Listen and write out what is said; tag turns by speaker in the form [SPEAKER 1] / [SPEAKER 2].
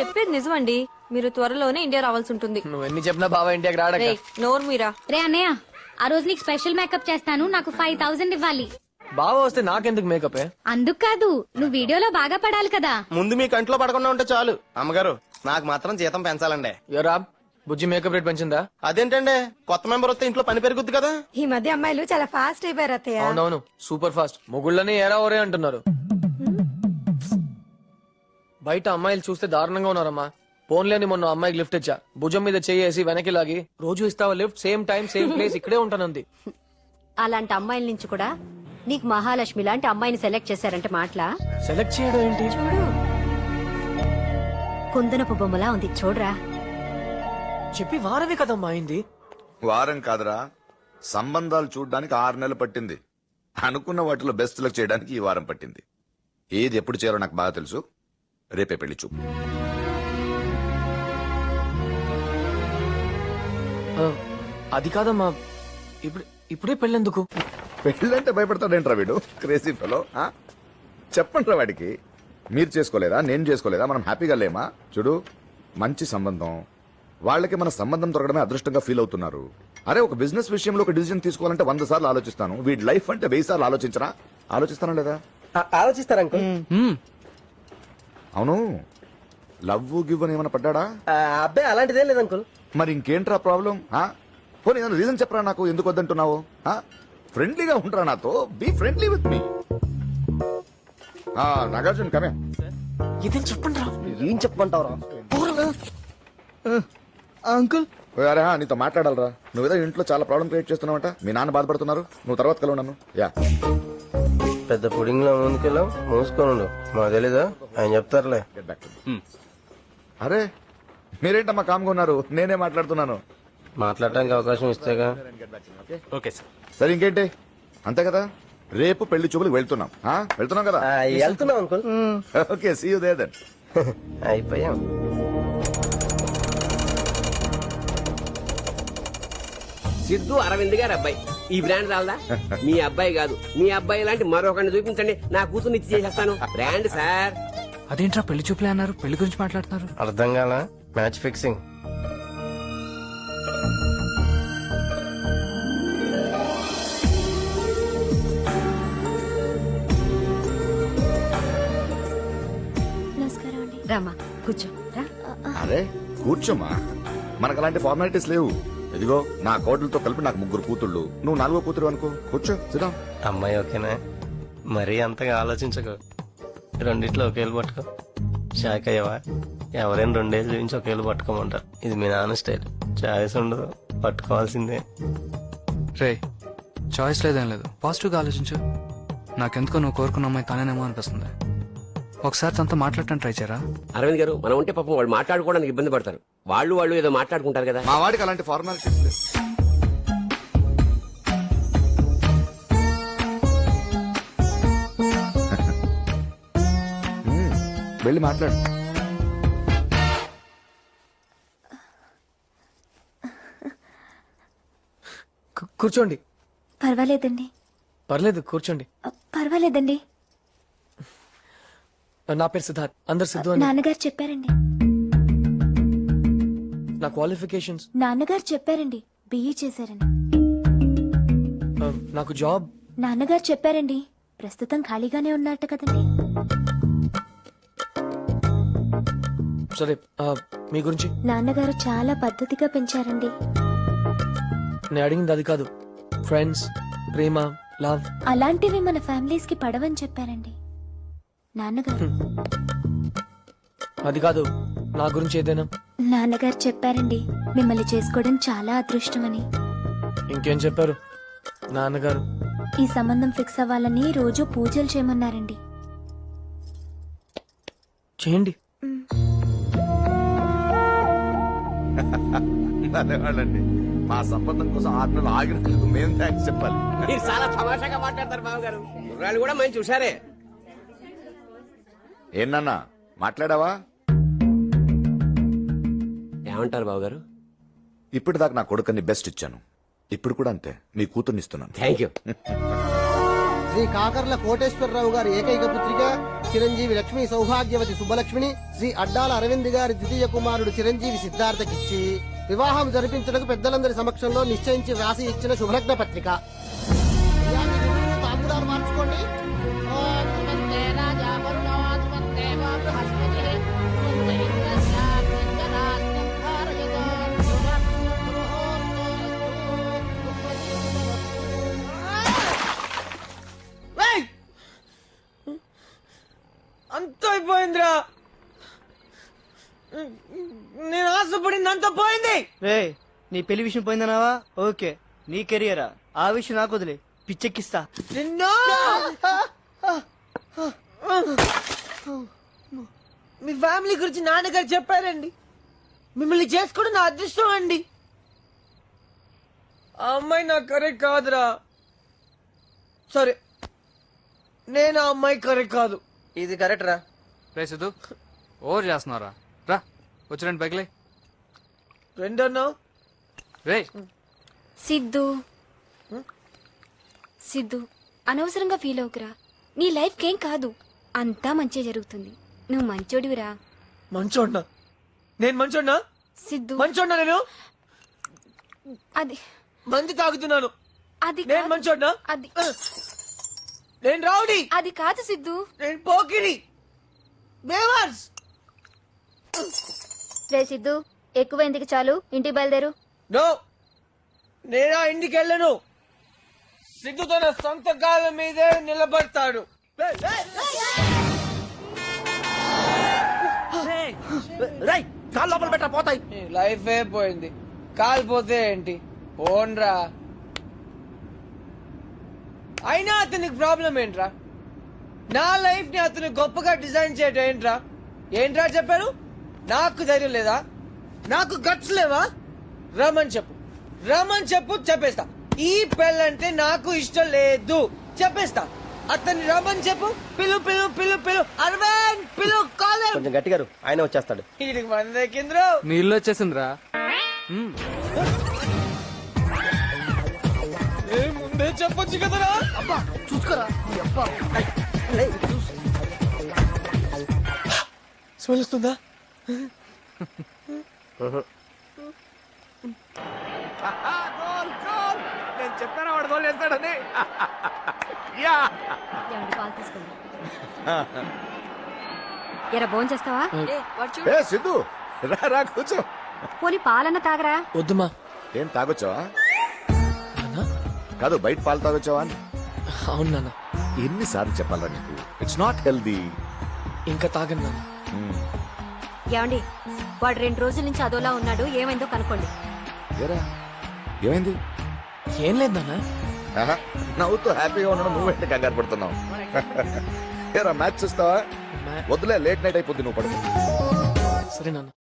[SPEAKER 1] చెప్పేది నిజమండి. మీరు త్వరలోనే ఇండియా రావాల్సి ఉంటుంది.
[SPEAKER 2] నువ్వు ఎన్ని చెప్పినా బాబా ఇండియాకి రాడక.
[SPEAKER 1] రేయ్, నోరు మీరా.
[SPEAKER 3] రే అన్నయ్య, ఆ రోజు నీకు స్పెషల్ మేకప్ చేస్తాను, నాకు 5000 ఇవ్వాలి.
[SPEAKER 2] బావ వస్తే నాకెందుకు మేకప్?
[SPEAKER 3] అందుకు కాదు, నువ్వు వీడియోలో బాగా పడాలి కదా.
[SPEAKER 4] ముందు మీ కంట్లో పడకుండా ఉంటే చాలు. అమ్మగారు నాకు మాత్రం జీతం పెంచాలండి.
[SPEAKER 2] ఎవరా బుజ్జి మేకప్ రేట్ పెంచిందా?
[SPEAKER 4] అదేంటండి, కొత్త మెంబర్ వస్తే ఇంట్లో పని పెరుగుద్ది కదా.
[SPEAKER 5] ఈ మధ్య అమ్మాయిలు చాలా ఫాస్ట్ అయిపోయారు అత్తయ్య.
[SPEAKER 2] అవునవును, సూపర్ ఫాస్ట్. మొగుళ్ళని ఏరా ఓరే అంటున్నారు. బయట అమ్మాయిలు చూస్తే దారుణంగా ఉన్నారమ్మా. ఫోన్లేని మొన్న అమ్మాయికి లిఫ్ట్ ఇచ్చా, భుజం మీద చేసి వెనక్కి లాగి, రోజు ఇస్తావా lift, same time same place, ఇక్కడే ఉంటానంది.
[SPEAKER 6] అలాంటి అమ్మాయిల నుంచి కూడా నీకు మహాలక్ష్మి లాంటి అమ్మాయిని సెలెక్ట్ చేశారంటే మాటలా?
[SPEAKER 2] సెలెక్ట్ చేయడం ఏంటి?
[SPEAKER 6] చూడు, కుందనపు బొమ్మలా ఉంది చూడరా.
[SPEAKER 2] చెప్పి వారమే కదమ్మా అయింది.
[SPEAKER 7] వారం కాదురా, సంబంధాలు చూడ్డానికి 6 నెలలు పట్టింది. అనుకున్న వాటిలో బెస్ట్ సెలెక్ట్ చేయడానికి ఈ వారం పట్టింది. ఏది ఎప్పుడు చేయాలో నాకు బాగా తెలుసు. రేపే పెళ్లి చూపు.
[SPEAKER 2] అది కాదమ్మా, ఇప్పుడే పెళ్ళెందుకు?
[SPEAKER 7] పెళ్ళంటే భయపడతాడేంట్రా వీడు, క్రేజీ ఫెలో. చెప్పండిరా వాడికి, మీరు చేసుకోలేదా, నేను చేసుకోలేదా, మనం హ్యాపీగా లేమా? చూడు, మంచి సంబంధం, వాళ్ళకి మన సంబంధం దొరకడమే అదృష్టంగా ఫీల్ అవుతున్నారు. అరే, ఒక బిజినెస్ విషయంలో ఒక డిసిజన్ తీసుకోవాలంటే 100 సార్లు ఆలోచిస్తాను. వీడి లైఫ్ అంటే 1000 సార్లు ఆలోచించరా? ఆలోచిస్తానా లేదా?
[SPEAKER 4] ఆలోచిస్తారా అంకుల్?
[SPEAKER 7] అవును, లవ్ గివ్ అని ఏమైనా పడ్డా?
[SPEAKER 4] అబ్బాయి అలాంటిదేం లేదు అంకుల్.
[SPEAKER 7] మరి ఇంకేంట్రా ప్రాబ్లం? పోనీ ఏదైనా రీజన్ చెప్పరా నాకు, ఎందుకు వద్దంటున్నావు? ఫ్రెండ్లీగా ఉంటారా నాతో? Be friendly with me. Nagarjuna కమే.
[SPEAKER 2] ఇదేం చెప్పండి రా.
[SPEAKER 4] ఏం చెప్పమంటావురా అంకుల్?
[SPEAKER 7] అరే, నీతో మాట్లాడాలరా. నువ్వేదో ఇంట్లో చాలా ప్రాబ్లం క్రియేట్ చేస్తున్నావంట. మీ నాన్న బాధపడుతున్నారు, నువ్వు తర్వాత కలవు నన్ను. యా,
[SPEAKER 4] పెద్ద పుడింగ్ లో ముందుకెళ్ళావు, మూసుకోనుండు. మాకు తెలీదా, ఆయన చెప్తారులే.
[SPEAKER 7] Get back to me. అరే, మీరేంటమ్మా కామ్గా ఉన్నారు? నేనే మాట్లాడుతున్నాను.
[SPEAKER 4] మాట్లాడడానికి అవకాశం ఇస్తేగా.
[SPEAKER 7] Okay sir. సరే, ఇంకేంటి? అంతే కదా, రేపు పెళ్లి చూపులకు వెళ్తున్నాం. వెళ్తున్నాం కదా?
[SPEAKER 4] వెళ్తున్నాం uncle.
[SPEAKER 7] Okay, see you there then.
[SPEAKER 4] అయిపోయాం.
[SPEAKER 8] సిద్ధు అరవింద్ గారు అబ్బాయి. ఈ బ్రాండ్ రాలదా? మీ అబ్బాయి కాదు, మీ అబ్బాయి లాంటి మరొకరిని చూపించండి, నా కూతుర్ని ఇచ్చి చేసేస్తాను. Brand sir.
[SPEAKER 2] అదేంట్రా పెళ్లి చూపులే అన్నారు, పెళ్లి గురించి మాట్లాడుతున్నారు?
[SPEAKER 4] అర్థం కాల. Match fixing.
[SPEAKER 6] రామా కూర్చో రా.
[SPEAKER 7] అరే కూర్చోమా, మనకు అలాంటి ఫార్మాలిటీస్ లేవు. ఇదిగో, నా కోడలతో కలిపి నాకు 3 కూతుళ్ళు, నువ్వు 4వ కూతురు అనుకో. కూర్చో, సిద్ధం.
[SPEAKER 4] అమ్మాయి ఓకేనా? మరీ అంతగా ఆలోచించకు. రెండిట్లో ఒకేళ్ళు పట్టుకో. షాక్ అయ్యవా? ఎవరైనా 2 ఏళ్ళు చూపించి ఒకేళ్ళు పట్టుకోమంటారు. ఇది మీ నాన్న స్టైల్. చాయిస్ ఉండదు, పట్టుకోవాల్సిందే.
[SPEAKER 9] రే, చాయిస్ లేదేం లేదు, పాజిటివ్గా ఆలోచించు. నాకెందుకో నువ్వు కోరుకున్న అమ్మాయి తానేనేమో అనిపిస్తుంది. ఒకసారి తనతో మాట్లాడటం ట్రై చేయరా?
[SPEAKER 8] అరవింద్ గారు, మనం ఉంటే పాపం వాళ్ళు మాట్లాడుకోవడానికి ఇబ్బంది పడతారు. వాళ్ళు ఏదో మాట్లాడుకుంటారు కదా.
[SPEAKER 7] మా వాడికి అలాంటి ఫార్మాలిటీస్ లేవు. వెళ్ళి మాట్లాడు.
[SPEAKER 2] కూర్చోండి.
[SPEAKER 3] పర్వాలేదండి.
[SPEAKER 2] పర్లేదు, కూర్చోండి.
[SPEAKER 3] పర్వాలేదండి.
[SPEAKER 2] నా పేరు సిద్ధార్థ్, అందరు సిద్ధు అని.
[SPEAKER 3] నాన్నగారు చెప్పారండి.
[SPEAKER 2] నా క్వాలిఫికేషన్స్?
[SPEAKER 3] నాన్నగారు చెప్పారండి, బిఈ చేశారని.
[SPEAKER 2] నాకు జాబ్?
[SPEAKER 3] నాన్నగారు చెప్పారండి, ప్రస్తుతం ఖాళీగానే ఉన్నట్టు కదండి.
[SPEAKER 2] సరే, మీ గురించి?
[SPEAKER 3] నాన్నగారు చాలా పద్ధతిగా పెంచారండి.
[SPEAKER 2] నేను అడిగింది అది కాదు. ఫ్రెండ్స్, ప్రేమ, లవ్
[SPEAKER 3] అలాంటివి మన ఫ్యామిలీస్ కి పడవని చెప్పారండి నాన్నగారు.
[SPEAKER 2] అది కాదు, నా గురించి ఏదైనా?
[SPEAKER 3] నాన్నగారు చెప్పారండి, మిమ్మల్ని చేసుకోవడం చాలా అదృష్టమని.
[SPEAKER 2] ఇంకేం చెప్పారు నాన్నగారు?
[SPEAKER 3] ఈ సంబంధం ఫిక్స్ అవ్వాలని రోజు పూజలు చేయమన్నారండి.
[SPEAKER 2] చేయండి.
[SPEAKER 7] ధన్యవాదాలండి. మా సంబంధం కోసం 6 నెలలు ఆగినందుకు మేము థ్యాంక్స్ చెప్పాలి.
[SPEAKER 8] మీరు చాలా తమాషాగా మాట్లాడతారు బావగారు. కుర్రాళ్ళు కూడా మంచి చూసారే.
[SPEAKER 7] ఏనన్నా మాట్లాడావా?
[SPEAKER 8] ఏమంటారు బావగారు?
[SPEAKER 7] ఇప్పటిదాకా నా కొడుకుని బెస్ట్ ఇచ్చాను, ఇప్పుడు కూడా అంతే మీ కూతుర్ని ఇస్తున్నాను.
[SPEAKER 8] Thank you.
[SPEAKER 10] శ్రీ కాకర్ల కోటేశ్వరరావు గారి ఏకైక పుత్రిక చిరంజీవి లక్ష్మి సౌభాగ్యవతి సుబ్బలక్ష్మిని శ్రీ అడ్డాల అరవింద్ గారి ద్వితీయ కుమారుడు చిరంజీవి సిద్ధార్థకిచ్చి వివాహం జరిపించడానికి పెద్దలందరి సమక్షంలో నిశ్చయించి వ్రాసి ఇచ్చిన శుభలగ్న పత్రిక. అయ్యా, మీ గురువులు తాంబూలాలు మార్చుకోండి. ఓం త్రిమత్తే రాజా వరుణో త్రిమత్తేవ బృహస్పతిః త్రిమత్తే ఇంద్రస్యాత్మిందరాస్తం భారయతో శుభం ముహూర్తోస్తు.
[SPEAKER 2] అంత అయిపోయిందిరా. నేను ఆశపడింది అంత పోయింది.
[SPEAKER 10] రే, నీ పెళ్లి విషయం పోయిందన్నావా? ఓకే, నీ కెరియరా ఆ విషయం నాకు వదిలే, పిచ్చెక్కిస్తా.
[SPEAKER 2] నిన్ను మీ ఫ్యామిలీ గురించి నాన్నగారు చెప్పారండి. మిమ్మల్ని చేసుకోవడం నా అదృష్టం అండి. ఆ అమ్మాయి నాకు కరెక్ట్ కాదురా. సరే, నేను ఆ అమ్మాయి కరెక్ట్ కాదు.
[SPEAKER 4] ఇది కరెక్ట్ రా.
[SPEAKER 9] రే సిద్ధు, ఓవర్ చేస్తున్నారా? రా వచ్చి రండి పైకిలే.
[SPEAKER 2] రెండన్నా
[SPEAKER 9] రే
[SPEAKER 3] సిద్ధు అనవసరంగా ఫీల్ అవుకురా. నీ లైఫ్ కేం కాదు, అంతా మంచి జరుగుతుంది. నువ్వు మంచోడివిరా.
[SPEAKER 2] మంచోడ్నా? నేను మంచోడ్నా?
[SPEAKER 3] సిద్ధు
[SPEAKER 2] మంచోడ్నా? నేను
[SPEAKER 3] అది
[SPEAKER 2] మంది తాగుతున్నాను.
[SPEAKER 3] అది
[SPEAKER 2] నేను
[SPEAKER 3] కాదు.
[SPEAKER 2] మంచోడ్నా?
[SPEAKER 3] అది
[SPEAKER 2] నేను రౌడీ.
[SPEAKER 3] అది కాదు సిద్ధు.
[SPEAKER 2] నేను పోకిరి. బేవర్స్.
[SPEAKER 3] రే సిద్ధు, ఎక్కువ ఎందుకు, చాలు ఇంటికి బయలుదేరు.
[SPEAKER 2] నో, నేను ఆ ఇంటికి వెళ్ళను. సిద్ధు తన సొంత కాళ్ళ మీదే నిలబడతాడు.
[SPEAKER 10] కాలు లోపల పెట్టా, పోతాయి.
[SPEAKER 2] లైఫ్ ఏ పోయింది, కాలిపోతే ఏంటి? పోన్రా. అయినా అతనికి ప్రాబ్లం ఏంట్రా? నా లైఫ్ ని అతను గొప్పగా డిజైన్ చేయడం ఏంట్రా? ఏంట్రా చెప్పాను? నాకు ధైర్యం లేదా? నాకు గట్స్ లేవా? రమ్మని చెప్పు, రమ్మని చెప్పు, చెప్పేస్తా. ఈ పెళ్ళంటే నాకు ఇష్టం లేదు, చెప్పేస్తా. అతన్ని రమ్మని చెప్పు. పిలు పిలు పిలు పిలు అరవింద్ పిలు, కాలేం.
[SPEAKER 4] కొంచెం గట్టిగా ఆయన వచ్చేస్తాడు.
[SPEAKER 2] వీడికి మందే కింద్రు.
[SPEAKER 9] నీ ఇల్లు వచ్చేసిందిరా.
[SPEAKER 2] ముందే చెప్పొచ్చు కదరా.
[SPEAKER 10] అబ్బా చూసుకోరా. అబ్బా
[SPEAKER 2] స్మెల్ వస్తుందా?
[SPEAKER 7] నేను చెప్పాను వాడు గోల్ చేస్తాడని.
[SPEAKER 6] ఏమండి, పాలు తీసుకోండి. ఎరా భోజనం చేస్తావా?
[SPEAKER 7] ఏ సిద్ధు, రా రా కూర్చో.
[SPEAKER 6] పోనీ పాలన్న తాగరా.
[SPEAKER 2] వద్దుమా.
[SPEAKER 7] ఏం తాగొచ్చావా? కాదు, బయట పాలు తాగొచ్చావా అని.
[SPEAKER 2] అవును నాన్న.
[SPEAKER 7] ఎన్నిసార్లు చెప్పాలా నీకు? It's not healthy.
[SPEAKER 2] ఇంకా తాగను నాన్న.
[SPEAKER 6] ఏమండి, వాడు 2 రోజుల నుంచి అదోలా ఉన్నాడు, ఏమైందో కనుక్కోండి.
[SPEAKER 7] ఏరా, ఏమైంది?
[SPEAKER 2] ఏం లేదు నాన్న.
[SPEAKER 7] ఆహా, నవ్వుతూ హ్యాపీగా ఉండడం నువ్వేంటి కంగారు పడుతున్నావు? ఏరా, మ్యాచ్ చూస్తావా? వద్దులే, లేట్ నైట్ అయిపోద్ది, నువ్వు పడుకో.
[SPEAKER 2] సరే నాన్న.